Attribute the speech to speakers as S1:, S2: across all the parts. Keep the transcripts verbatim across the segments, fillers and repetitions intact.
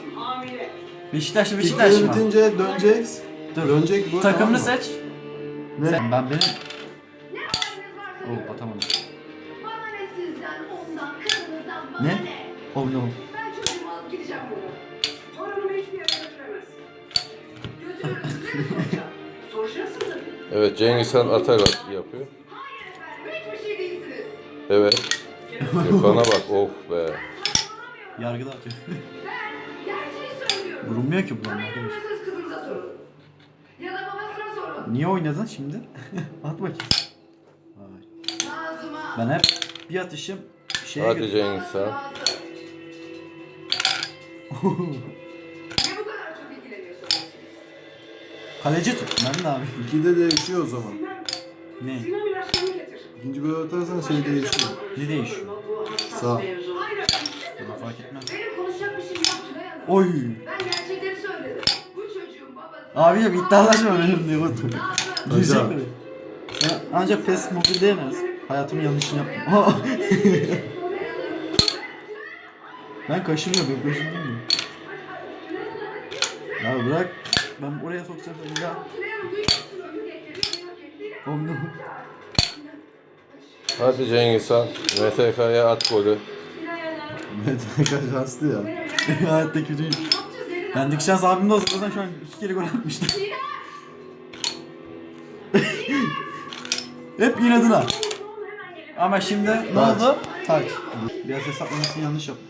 S1: Beşiktaşlı
S2: İlk
S1: Beşiktaş
S2: yarı
S1: mı?
S2: bitince döneceksin.
S1: Dur.
S2: Dönecek bu.
S1: Takımını
S2: tamam mı?
S1: seç.
S2: Ne?
S1: Sen, ben benim... Oh atamadım.
S3: Bana ne sizden, ondan, kızınızdan, bana
S1: Ne?
S3: ne?
S1: Oh no.
S3: Ben çocuğumu alıp gideceğim buradan. Torunumu hiçbir yere götüremez. Götürürüz, size soracağım. Soracaksın tabii.
S4: Evet, Cengiz Han atarak yapıyor.
S3: Hayır efendim, hiçbir şey değilsiniz.
S4: Evet. Gökhan'a bak, of be.
S1: Yargıda atıyor.
S3: Ben gerçeği söylüyorum.
S1: Vurulmuyor ki bunların
S3: Bana
S1: arkadaş.
S3: inanmıyorsanız kızınıza sorun. Ya da babasına sorun.
S1: Niye oynadın şimdi? At bakayım. Vay.
S3: Nazım'a.
S1: Ben hep bir atışım şeye
S4: Hadi
S1: götürüyorum.
S4: Cengiz Han.
S3: Ne bu kadar çok ilgileniyorsunuz?
S1: Kaleci tut. Ben de abi.
S2: İkide değişiyor o zaman.
S1: Ne?
S3: Sinem ilaçlarını getir.
S2: İkinci gol atarsan şey değişiyor.
S1: Ne değişiyor?
S2: Sağ.
S3: Hayır efendim.
S1: Bana fark etmez.
S3: Benim konuşacak bir şeyim yok Tülay Hanım.
S1: Oy.
S3: Ben gerçekleri söyledim. Bu çocuğun babası...
S1: Abicim iddialaşma benim diye otur.
S3: Nazım.
S1: Girecek
S2: Hocam.
S1: mi? Ben ancak PES mobilde yenemez. Hayatımın yanlışını yaptım. Aa! Ben kaşınıyorum, ben kaşınıyorum mu? Ya bırak. Ben oraya sokacağım seni ya.
S3: Tülay Hanım duyuyorsun. Onu getiriyor, onu getiriyor.
S1: Oh no.
S4: Hadi Cengiz Han. M T K'ya at golü.
S3: Tülay Hanım.
S2: Mete şanslı ya.
S1: Hayatta kötüyüm. Bendeki şans abimde olsa zaten şu an iki kere gol atmıştı. Hep inadına. Ama şimdi ne
S2: Taç.
S1: oldu? Taç. Biraz hesaplamasını yanlış yaptım.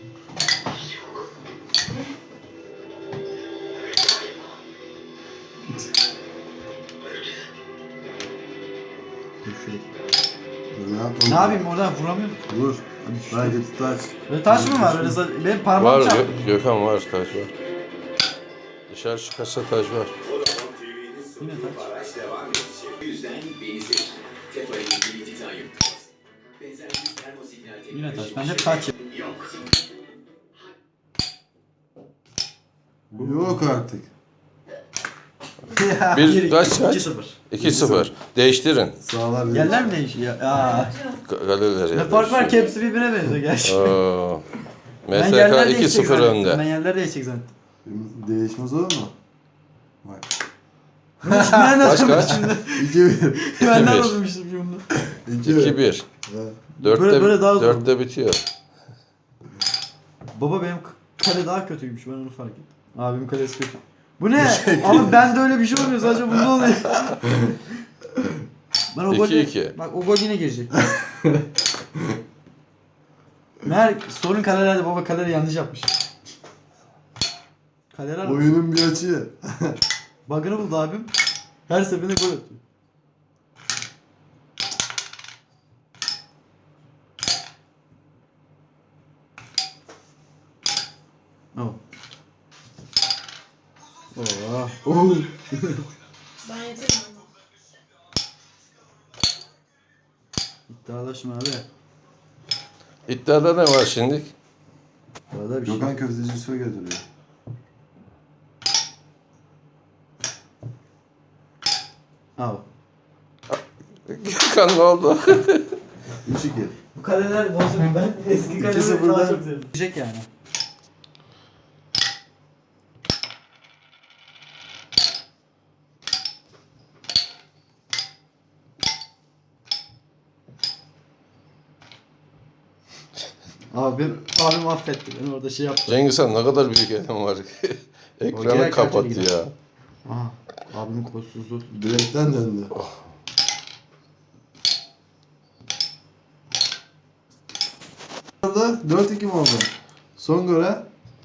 S1: Dur şuraya.
S2: Ne yapalım?
S1: Ne yapayım oradan vuramıyorum.
S2: Vur. Haydi tutaç.
S1: Böyle taş mı var? Öyle sa- benim parmağım
S4: Var
S1: çarptı.
S4: Gö- Gökhan var, taş var. Dışarı çıkarsa taş var.
S1: Yine taç.
S5: Araç devam edecek. Bu yüzden beni seç. Tefa'yı ilgili titanyum. Benzer bir termosignal teknolojisi.
S1: Yine taş. Ben hep taç yap-
S5: Yok.
S2: Yok artık.
S4: Bir kaç
S1: iki
S4: kaç?
S1: sıfır.
S4: iki sıfır. Değiştirin.
S2: Sağlar değil.
S1: Yerler mi değişiyor? Aa.
S4: Galeleri.
S1: Ne fark var ki hepsi birbirine benziyor gerçi.
S4: Oo.
S1: Ben
S4: M T
S1: yerler
S4: K
S1: değişecek
S4: iki sıfır
S1: zannettim.
S4: önde.
S1: Ben yerler değişecek zannettim.
S2: Değişmez olur mu? Bak.
S1: Ben
S4: Kaç
S1: nasıl
S4: kaç?
S1: şimdi?
S2: İki bir.
S1: Ben
S4: bir.
S1: nasıl bilmiştim bunu?
S2: İki bir.
S4: iki bir.
S2: Evet.
S4: Dörtte,
S1: Böyle- böyle daha zor.
S4: dörtte bitiyor.
S1: Baba benim k- kale daha kötüymüş ben onu fark ettim. Abimin kalesi kötü. Bu ne? Ama bende öyle bir şey olmuyor sadece bunda oluyor. Ben o gol
S4: iki iki.
S1: Bak o gol yine girecek. Mer sorun kalelerde baba kaleleri yanlış yapmış. Kaleler
S2: Oyunun bir açığı.
S1: bug'ını buldu abim. Her seferinde gol atıyor. Oh.
S2: Oo. Oo.
S3: Ben yeterim.
S1: İddialaşma abi.
S4: İddiada ne var şimdi?
S1: Arada bir şey.
S2: Gökhan köfteci Yusuf'a götürüyor.
S1: Al.
S4: Gökhan ne oldu?
S2: üç iki.
S1: Bu kaleler bozuk. Ben eski
S2: İki
S1: kaleleri daha
S2: sıfırdan-
S1: çok seviyorum. Diyecek yani. Abim, abim affetti beni orada şey yaptı.
S4: Cengiz Han ne kadar büyük elim var. Ekranı
S1: Hoca
S4: kapat
S1: gerçekten
S4: ya.
S1: Aha, abimin kolsuzluğu.
S2: Direkten döndü. dört iki mi oldu? Son gole.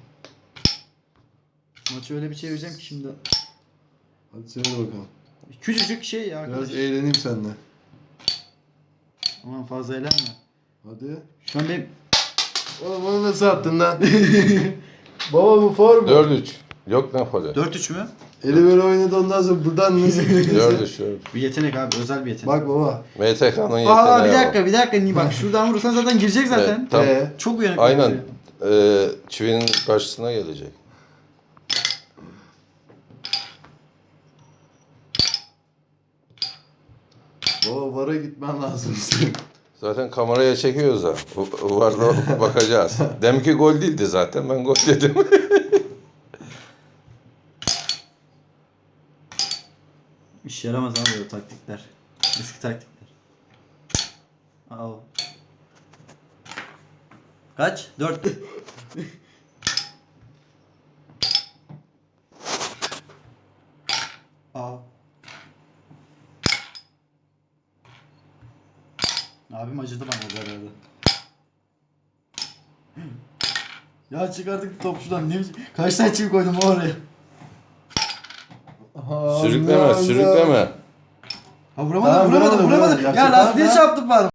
S1: Maçı öyle bir çevireceğim ki şimdi.
S2: Hadi söyle bakalım.
S1: Küçücük şey ya arkadaş.
S2: Biraz eğleneyim seninle.
S1: Aman fazla eğlenme.
S2: Hadi.
S1: Şu an benim...
S2: Oğlum onu nasıl attın lan? Baba bu form.
S4: dört üç. Yok ne falı.
S1: dört üç mü?
S2: Eli böyle oynadı ondan sonra buradan nasıl
S4: dört üç. dört.
S1: Bir yetenek abi, özel bir yetenek.
S2: Bak baba.
S4: M T K'nın yeteneği
S1: Aa bir
S4: o.
S1: dakika, bir dakika. Niye bak şuradan vurursan zaten girecek zaten.
S4: Evet, tam,
S2: Ee?
S1: Çok uyanık.
S4: aynen.
S1: bence.
S4: Ee, çivinin karşısına gelecek.
S2: Baba vara gitmen lazım senin.
S4: Zaten kameraya çekiyoruz da. Varda bakacağız. Deminki gol değildi zaten. Ben gol dedim.
S1: İşe yaramaz abi böyle taktikler. Eski taktikler. Aa. Kaç? Dört. Aa. Abim acıdı bana orada herhalde. Ya çık artık top şuradan. Niye? Kaç tane çivi koydum oraya?
S4: Sürükleme, sürükleme.
S1: Ha vuramadım,
S2: Tamam,
S1: vuramadım,
S2: vuramadım,
S1: vuramadım.
S2: vuramadım.
S1: Ya
S2: Yapacak
S1: lastiğe
S2: var mı?
S1: çarptım ben.